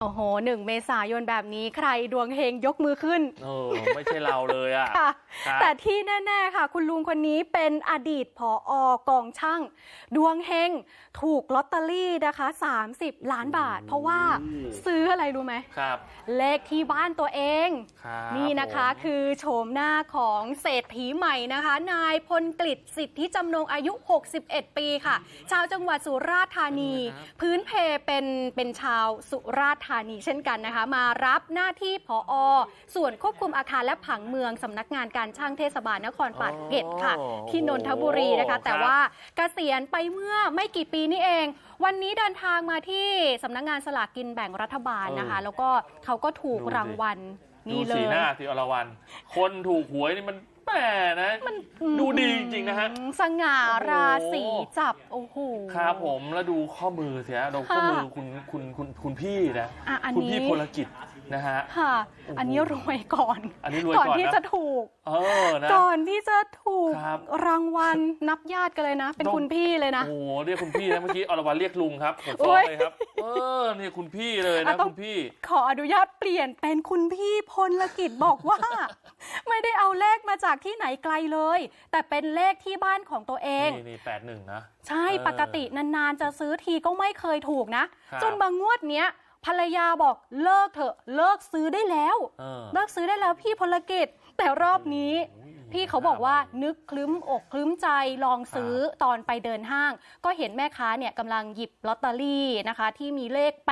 โอ้โห1 เมษายนแบบนี้ใครดวงเฮงยกมือขึ้นไม่ใช่เราเลยอ่ะแต่ที่แน่ๆค่ะคุณลุงคนนี้เป็นอดีตผอกองช่างดวงเฮงถูกลอตเตอรี่นะคะ30 ล้านบาทเพราะว่าซื้ออะไรรู้ไหมครับเลขที่บ้านตัวเองนี่นะคะคือโฉมหน้าของเศรษฐีใหม่นะคะนายพลกฤษสิทธิจำนงอายุ61 ปีค่ะชาวจังหวัดสุราษฎร์ธานีพื้นเพเป็นชาวสุราษฎร์ธานีเช่นกันนะคะมารับหน้าที่ผอ.ส่วนควบคุมอาคารและผังเมืองสำนักงานการช่างเทศบาลนครปากเกร็ดค่ะที่นนทบุรีนะคะแต่ว่าเกษียณไปเมื่อไม่กี่ปีนี่เองวันนี้เดินทางมาที่สำนักงานสลากกินแบ่งรัฐบาลนะคะแล้วก็เขาก็ถูกรางวัลนี่เลยดูสีหน้าที่อรวรรณคนถูกหวยนี่มันแหมนะดูดีจริงๆนะฮะสง่าราศีจับโอ้โหครับผมแล้วดูข้อมือเสียดูข้อมือคุณพี่นะคุณพี่พลกิจนะฮะค่ะอันนี้รวยก่อนก่อนที่จะถูกนะก่อนที่จะถูกรางวัลนับญาติกันเลยนะเป็นคุณพี่เลยนะโอ้เรียกคุณพี่นะเมื่อกี้อรวรรณเรียกลุงครับผมฟ้องเลยครับนี่คุณพี่เลยนะคุณพี่ขออนุญาตเปลี่ยนเป็นคุณพี่พลกิจบอกว่าไม่ได้เอาเลขมาจากที่ไหนไกลเลยแต่เป็นเลขที่บ้านของตัวเองนี่81นะใช่ปกตินานๆจะซื้อทีก็ไม่เคยถูกนะจนบางงวดเนี้ยภรรยาบอกเลิกเถอะเลิกซื้อได้แล้วเลิกซื้อได้แล้วพี่พลกิจแต่รอบนี้พี่เขาบอกว่านึกคลึ้มอกคลึ้มใจลองซื้อตอนไปเดินห้างก็เห็นแม่ค้าเนี่ยกำลังหยิบลอตเตอรี่นะคะที่มีเลข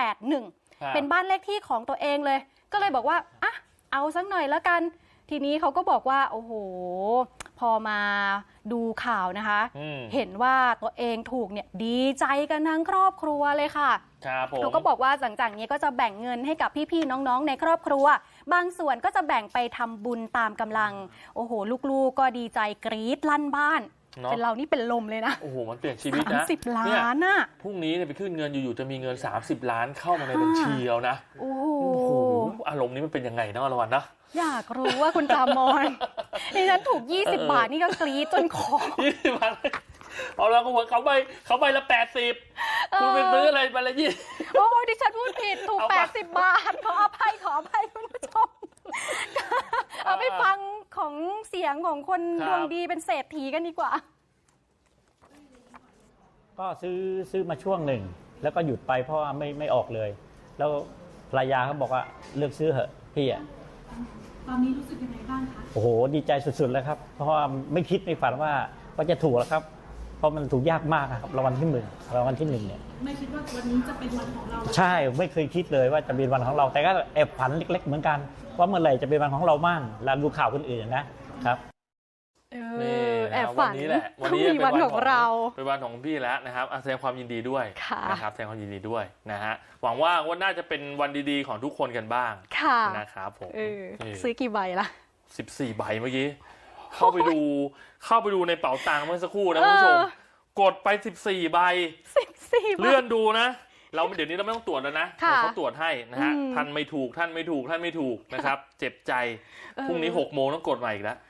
81เป็นบ้านเลขที่ของตัวเองเลยก็เลยบอกว่าอ่ะเอาสักหน่อยแล้วกันทีนี้เขาก็บอกว่าโอ้โหพอมาดูข่าวนะคะเห็นว่าตัวเองถูกเนี่ยดีใจกันทั้งครอบครัวเลยค่ะเขาก็บอกว่าหลังจากนี้ก็จะแบ่งเงินให้กับพี่ๆน้องๆในครอบครัวบางส่วนก็จะแบ่งไปทำบุญตามกำลังโอ้โหลูกๆก็ดีใจกรี๊ดลั่นบ้านเป็นเรานี่เป็นลมเลยนะโอ้โหมันเปลี่ยนชีวิตนะ 30 ล้านน่ะพรุ่งนี้เนี่ยไปขึ้นเงินอยู่ๆจะมีเงิน30 ล้านเข้ามาในบัญชีแล้วนะโอ้โหอารมณ์นี้มันเป็นยังไงนะอรวรรณนะอยากรู้ว่าคุณจามอนดิฉันถูก20 บาทนี่ก็กรี๊ดจนคอ 20 บาทเอาแล้วก็เขาใบละ80คุณไปซื้ออะไรใบละ20 โอ้ดิฉันพูดผิดถูก80 บาทขออภัยคุณผู้ชมเอาไปฟังของเสียงของคนดวงดีเป็นเศรษฐีกันดีกว่าก็ซื้อมาช่วงหนึ่งแล้วก็หยุดไปเพราะว่าไม่ออกเลยแล้วภรรยาเขาบอกว่าเลิกซื้อเหอะพี่อะตอนนี้รู้สึกยังไงบ้างคะโอ้โหดีใจสุดๆเลยครับเพราะว่าไม่คิดไม่ฝันว่าจะถูกแล้วครับเพราะมันถูกยากมากครับรางวัลที่1เนี่ยไม่คิดว่าวันนี้จะเป็นวันของเราใช่ไม่เคยคิดเลยว่าจะเป็นวันของเราแต่ก็แอบฝันเล็กๆเหมือนกันว่าเมื่อไหร่จะเป็นวันของเราบ้างแล้วดูข่าวคนอื่นนะครับแอบฝันนี้แหละวันนี้เป็นวันของเราเป็นวันของพี่แล้วนะครับแสดงความยินดีด้วยนะครับแสดงความยินดีด้วยนะฮะหวังว่าน่าจะเป็นวันดีๆของทุกคนกันบ้างนะครับผมซื้อกี่ใบล่ะ 14 ใบเมื่อกี้เข้าไปดูในเป๋าตังค์เมื่อสักครู่นะคุณผู้ชมกดไป14 ใบเลื่อนดูนะเดี๋ยวนี้เราไม่ต้องตรวจแล้วนะเขาตรวจให้นะฮะท่านไม่ถูกนะครับเจ็บใจพรุ่งนี้6 โมงต้องกดใหม่อีกแล้ว